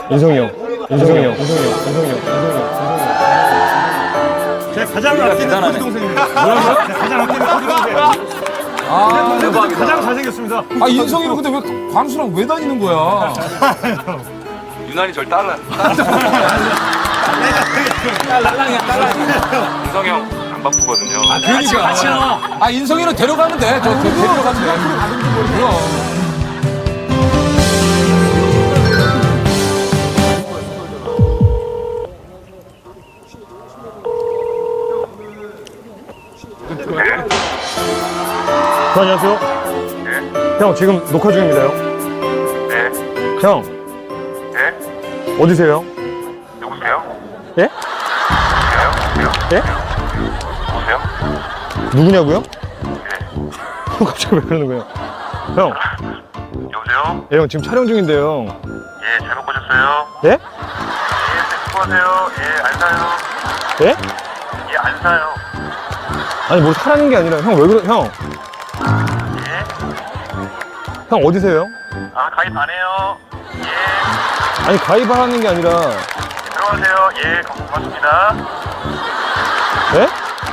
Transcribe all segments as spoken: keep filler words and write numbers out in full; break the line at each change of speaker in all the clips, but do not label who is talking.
인성이 형, 인성이 형, 인성이 형, 인성이 형, 인성이 형.
제가 가장 아끼는 코디 동생입니다. 뭐라고요? 가장 아끼는 코디 동생. 아, 대박이다. 가장 잘생겼습니다.
아, 인성이는 근데 왜 광수랑 왜 다니는 거야?
유난히 절 따라.
딸랑이야, 딸랑이야.
인성이 형 안 바쁘거든요.
아, 그러니까. 같이 나와. 아, 인성이는 데려가면 돼. 저, 저 데려가면 돼. 그럼.
저 안녕하세요.
네?
형 지금 녹화 중입니다요.
네?
형
네?
어디세요?
누구세요?
예?
누구세요?
예?
누구세요?
누구냐고요?
네.
형 갑자기 왜 그러는 거예요? 형,
여보세요?
예, 형 지금 촬영 중인데요.
예, 잘못 보셨어요?
예?
예, 수고하세요. 예, 안 사요.
예?
예, 안 사요.
아니 뭘 사라는 게 아니라 형 왜 그러? 형,
예?
형 어디세요?
아, 가입 안 해요. 예,
아니 가입하라는 게 아니라
들어가세요. 예, 고맙습니다.
예?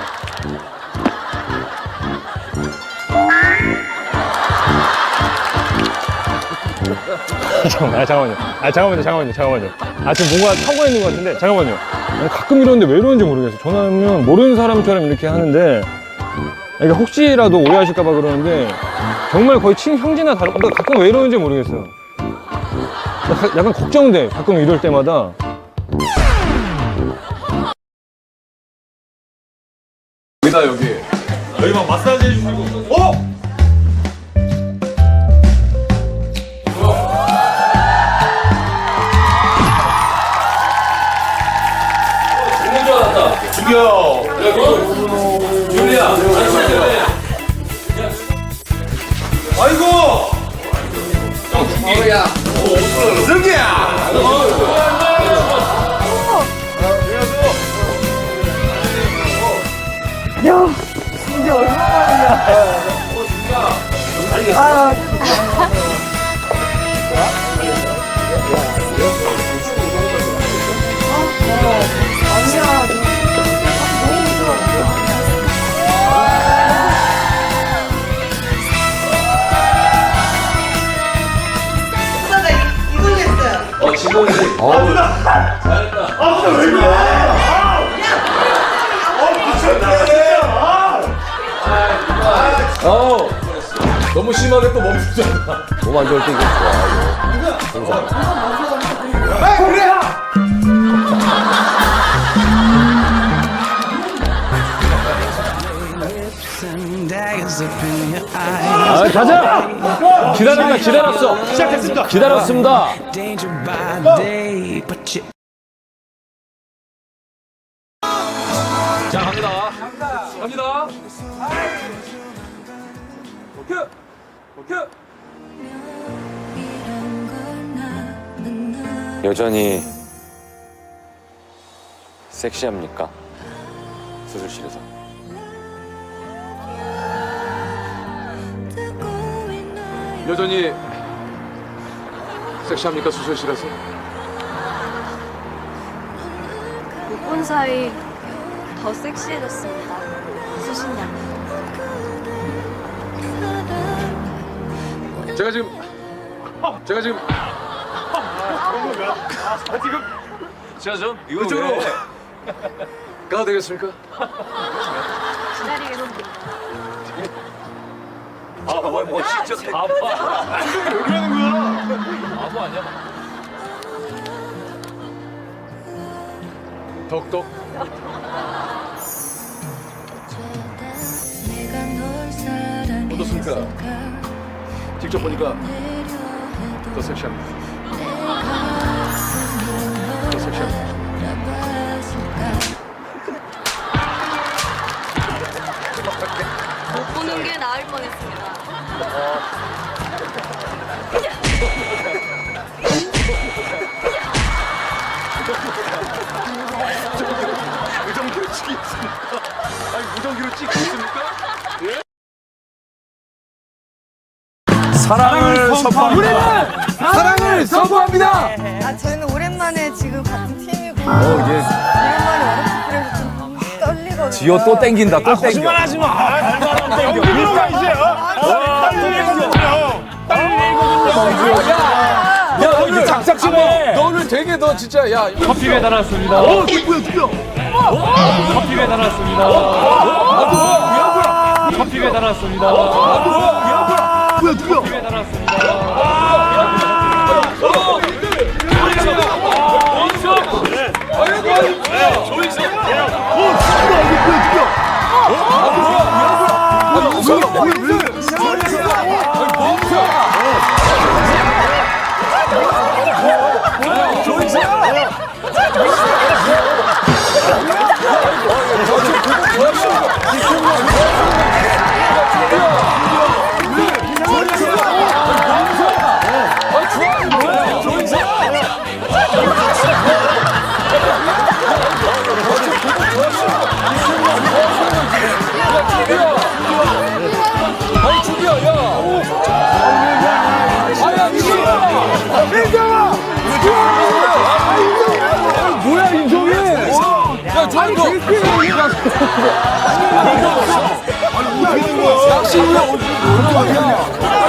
잠깐만, 아, 잠깐만요. 아, 잠깐만요, 잠깐만요, 잠깐만요. 아, 지금 뭔가 사고가 있는 것 같은데, 잠깐만요. 아니, 가끔 이러는데 왜 이러는지 모르겠어요. 전화하면 모르는 사람처럼 이렇게 하는데, 그러니까 혹시라도 오해하실까봐 그러는데, 정말 거의 친형제나 다른, 나 가끔 왜 이러는지 모르겠어요. 나 가- 약간 걱정돼, 가끔 이럴 때마다.
여기다, 여기.
여기 막 마사지 해주시고. 어? 죽여.
유리야,
아이고.
어야.
승기야.
어, 지금.
아, 나 왜 그래? 아,
어. 너무 심하게 또 멈추잖아.
몸 안 좋을 때 이거 좋아.
아, 가자! 기다렸다, 기다렸어.
시작했습니다.
기다렸습니다.
자, 갑니다. 갑니다. 오케이. 오케이.
여전히 섹시합니까? 수술실에서.
여전히 섹시합니까, 수술실에서?
못 본 사이 더 섹시해졌습니다. 수신양.
제가 지금 제가 지금 제가 좀 이쪽으로 가도 되겠습니까?
기다리겠습니다.
아, 뭐, 뭐 진짜 바보.
왜 그러는 거야?
바보 아니야? 덕덕. 어떻습니까? 직접 보니까 더 섹시합니다. 더 섹시합니다.
못 보는 게 나을 뻔했습니다.
무전기로 찍겠습니까? 아니, 무전기로 찍겠습니까? 예?
사랑을 선포합니다.
사랑을 우승을 선포합니다.
아, 저희는 오랜만에 지금 같은 팀이고 오랜만에 워너프에서 좀 떨리거든요.
지호 또 땡긴다. 또 땡겨.
거짓말하지 마. 발바람 땡겨. 일단 이제
야, 너 이거 작작심해. 너 오늘 되게 너 진짜 야.
커피 배달 왔습니다.
어, 뭐야, 죽여.
커피 배달 왔습니다. 커피 배달 왔습니다.
뭐야, 죽여.
배달 왔습니다.
아니 죽여 야. 아야 민정아. 뭐야 인정이? 야 조한 너. 낚시 위에 어디 뭐야?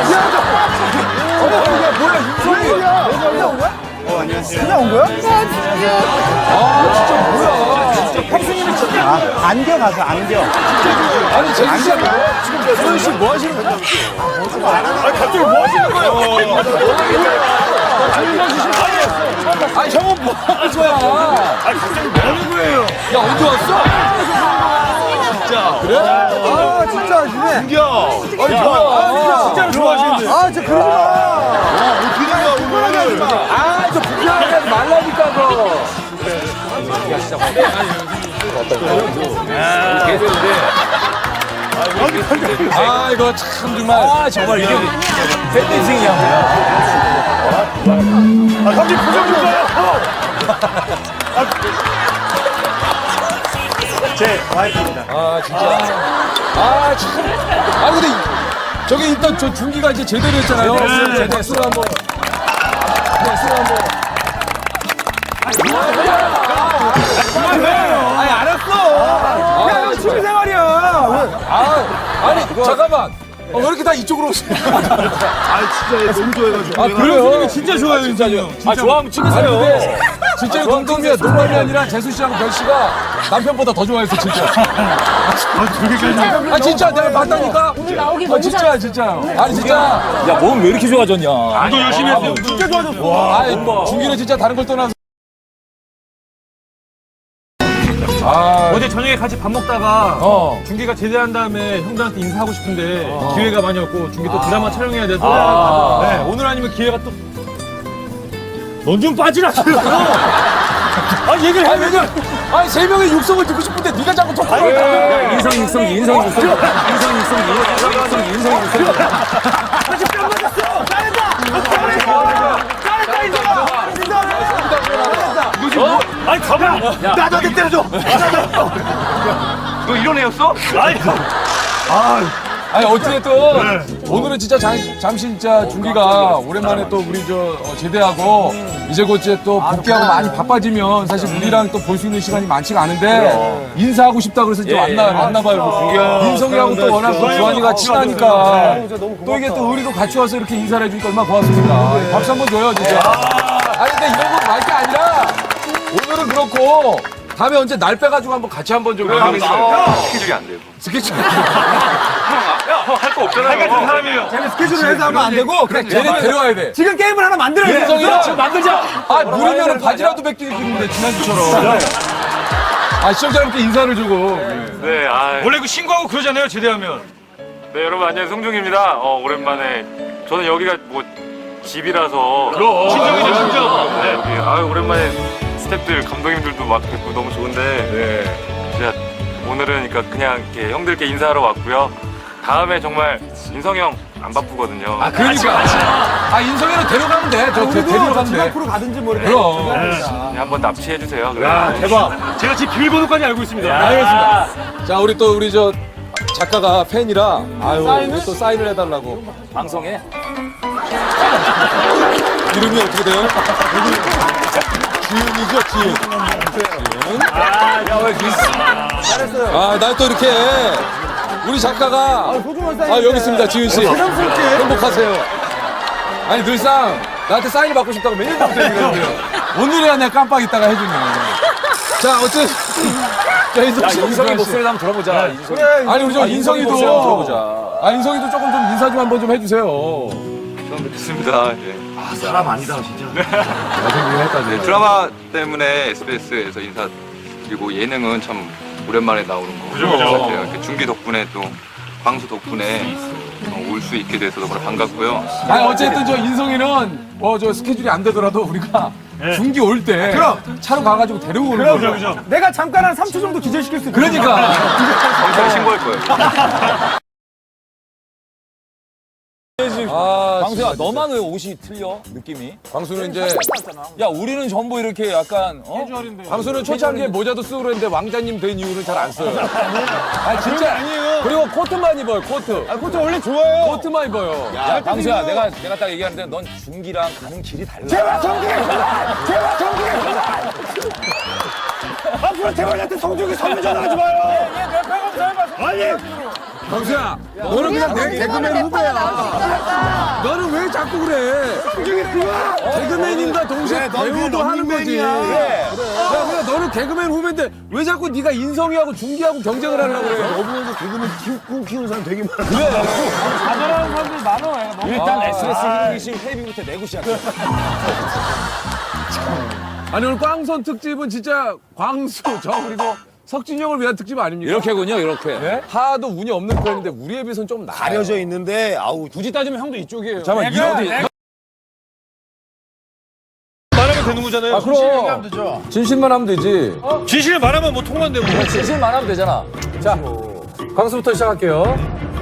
뭐야 인정이?
어, 안녕하세요. 그냥 온 거야?
아 진짜 뭐야?
형수님이 진짜. 아, 안겨 가서 안겨.
아니 재수 씨 지금 조현 씨뭐 하시는 거야?
아, 갑자기 뭐 하시는 거예요?
아니 형은 뭐 하는 거야?
아, 갑자기 뭐 하는 거예요?
야 언제 왔어?
진짜.
그래?
아, 진짜, 진짜. 안겨. 아니,
뭐야?
아, 진짜, 진짜로 좋아하시는데. 아, 진짜 그러지 마. 와, 어떻게 된 거야, 오늘. 하지 마.
아, 저 불편하게 하지 말라니까, 너. 아, 이거 참 정말. 아, 정말 이게 팬미팅이야.
아, 갑자기 표정 좀 봐요. 제 와이프입니다.
아, 진짜. 아, 참. 아, 근데 이- 저기 일단 저 중기가 이제 제대로 했잖아요.
네.
제대로 술 한 번. 네, 술 한 번.
아니, 알았어. 야, 이거 취미생활이야.
아, 아니, 잠깐만. 어, 왜 이렇게 다 이쪽으로 오세요?
아, 진짜 너무 좋아해가지고.
아, 그래요?
진짜 좋아요, 진짜요.
아, 좋아하면 찍으세요. 근데 진짜 이 동동이야. 농담이 아니라 재수 씨랑 별 씨가 남편보다 더 좋아했어, 진짜.
아, 저기까지.
아, 진짜 내가 봤다니까? 오늘 나오기 너무 진짜, 진짜. 아니, 진짜.
야, 몸 왜 이렇게 좋아졌냐?
너 열심히 했어요. 진짜 좋아졌어.
아이, 중기는 진짜 다른 걸 떠나서. 아,
어제 저녁에 같이 밥 먹다가
어.
중기가 제대한 다음에 형들한테 인사하고 싶은데 기회가 많이 없고 중기 또 드라마 촬영해야 돼서
아.
네, 오늘 아니면 기회가 또 넌 좀 빠지라. 아 얘기를
아니, 왜냐? 아니, 세 명의 육성을 듣고 싶은데 네가 자꾸 톡하고 있다.
인성 육성기, 인성 육성기, 인성 육성기, 인성 육성기, 인성 육성기.
아니, 가봐. 나 너한테 때려줘. 너 이런 애였어? 아니,
아니, 어찌됐든 오늘은 진짜 잠, 잠시 진짜 중기가 오랜만에 또 우리 저 어, 제대하고 이제 곧 이제 또 복귀하고 많이 바빠지면 사실 우리랑 또 볼 수 있는 시간이 많지가 않은데 인사하고 싶다 그래서 이제 왔나, 왔나 봐요. 민성이하고 또 워낙 또 주한이가 친하니까 또 이게 또 우리도 같이 와서 이렇게 인사를 해주니까 얼마나 고맙습니까. 박수 한번 줘요, 진짜. 아니, 근데 이런 거 말 게 아니라 오늘은 그렇고 다음에 언제 날 빼가지고 한번 같이 한번 좀 해보겠어요.
스케줄이 안 돼요.
스케줄.
할 거 없잖아요.
같은 사람이에요. 쟤는 스케줄을 해서 하면 안 되고, 그냥
걔네 데려와야 돼.
지금 게임을 하나 만들어야 돼.
민성이랑
지금 만들자.
아, 누르면은 바지라도 벗기는데 지난주처럼. 아, 시청자 여러분께 인사를 주고.
네, 아,
원래 그 신고하고 그러잖아요 제대하면.
네, 여러분 안녕하세요. 송중입니다. 어, 오랜만에 저는 여기가 뭐 집이라서
그럼 친정이죠 친정.
네, 여기 아 오랜만에 스태프들 감독님들도 막 뵙고 너무 좋은데 네. 제가 오늘은 그러니까 그냥 이렇게 형들께 인사하러 왔고요. 다음에 정말 인성이 형 안 바쁘거든요.
아, 그러니까. 아, 인성이는 데려가면 돼. 저 데- 데리러 가면 돼.
앞으로 가든지 모르겠어.
그럼.
네, 한번 납치해 주세요.
야 대박. 제가 지금 비밀번호까지 알고 있습니다.
알겠습니다. 자, 우리 또 우리 저 작가가 팬이라 아유, 우리 또 사인을 해달라고.
방송에
이름이 어떻게 돼요? 지은이죠, 지은. 아, 날 또 이렇게 우리 작가가 아, 여기 있습니다, 지은 씨. 행복하세요. 아니, 늘상 나한테 사인을 받고 싶다고 매일 전부터 얘기하는데요. 오늘이야 내가 깜빡 있다가 해주네. 자, 어쨌든. 자, 인성 씨.
인성이 목소리를 한번 들어보자. 인성이.
아니, 우리 저 인성이도.
목소리 한번 들어보자.
아, 인성이도 조금 좀 인사 좀 한번 좀 해주세요.
처음 뵙겠습니다. 예.
사람 아니다 진짜.
네, 드라마 때문에 에스비에스에서 인사 그리고 예능은 참 오랜만에 나오는 거
그죠, 그죠.
같아요. 이렇게 중기 덕분에 또 광수 덕분에 올 수 있게 돼서 너무 반갑고요.
아니, 어쨌든 저 인성이는 뭐 저 스케줄이 안 되더라도 우리가 중기 올 때 차로 가가지고 데리고 오는
그럼,
거죠.
그죠, 그죠. 내가 잠깐 한 삼 초 정도 기절시킬 수 있어.
그러니까.
경찰에 신고할 거예요.
아,
광수야, 너만 왜 옷이 틀려? 느낌이?
광수는 이제
야, 우리는 전부 이렇게 약간 어?
광수는 초창기에 모자도 쓰고 그랬는데 왕자님 된 이후는 잘 안 써요. 아, 진짜 아니에요. 그리고 코트만 입어요, 코트.
아, 그것도 원래 좋아요.
코트만 입어요.
야, 광수야, 내가 내가 딱 얘기하는데 넌 중기랑 가는 길이 달라.
제발 성기! 제발 성기! 앞으로 제발한테 성적이 선물 전화하지 마요. 아니.
광수야, 너는 그냥 내 개그맨 후배야. 너는 왜 자꾸 그래? 개그맨인가 동시에 배우도 하는 거지. 야, 그래, 너는 개그맨 후배인데 왜 자꾸 네가 인성이하고 중기하고 경쟁을 하려고 그래?
너보면서 개그맨 키우고 키우는 사람 되게 많아.
일단 에스비에스 희동기심 회비부터 내고 시작해.
아니, 오늘 꽝선 특집은 진짜 광수, 저 그리고 석진이 형을 위한 특집 아닙니까?
이렇게군요, 이렇게.
네? 하도 운이 없는 편인데 우리에 비해서는 좀 나아요.
가려져 있는데 아우
굳이 따지면 형도 이쪽이에요.
잠깐만, 이 어디?
말하면 되는 거잖아요.
아, 그럼. 진실만 하면 되지.
진실 말하면 뭐 통한데 뭐.
진실만 하면 되잖아.
자, 광수부터 시작할게요.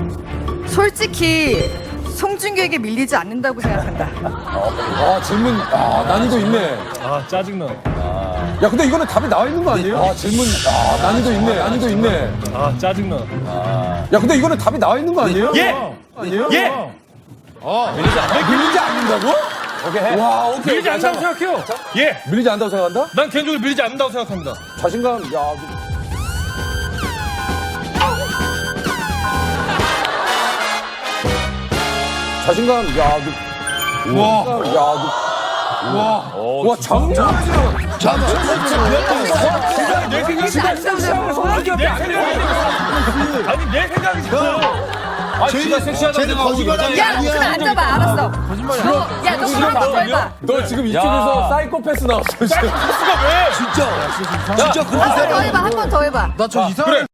솔직히 송중기에게 밀리지 않는다고 생각한다.
아, 질문, 아, 난이도 있네.
아 짜증나.
야, 근데 이거는 답이 나와 있는 거 아니에요? 아, 질문, 아, 난이도 있네, 난이도 있네.
아 짜증나.
야, 근데 이거는 답이 나와 있는 거 아니에요?
예.
아니에요?
예.
밀리지 않는다고? 오케이. 와, 오케이.
밀리지 않는다고 생각해요. 예.
밀리지 않는다고 생각한다?
난 개인적으로 밀리지 않는다고 생각합니다.
자신감, 야. 자신감, 야. 너,
와.
야, 너. 와, 와, 장난.
내 생각이
밀리지 않는다고 생각한다.
아니 내 생각이 진짜.
아, 지가 섹시하다고 생각하고
야, 너 지금 앉아봐, 알았어. 너, 야, 너 그럼 더 해봐.
너 지금 이쪽에서 사이코패스 나왔어.
수가 왜?
한 번 더 해봐, 한 번 더 해봐.
나저 이상한. 그래.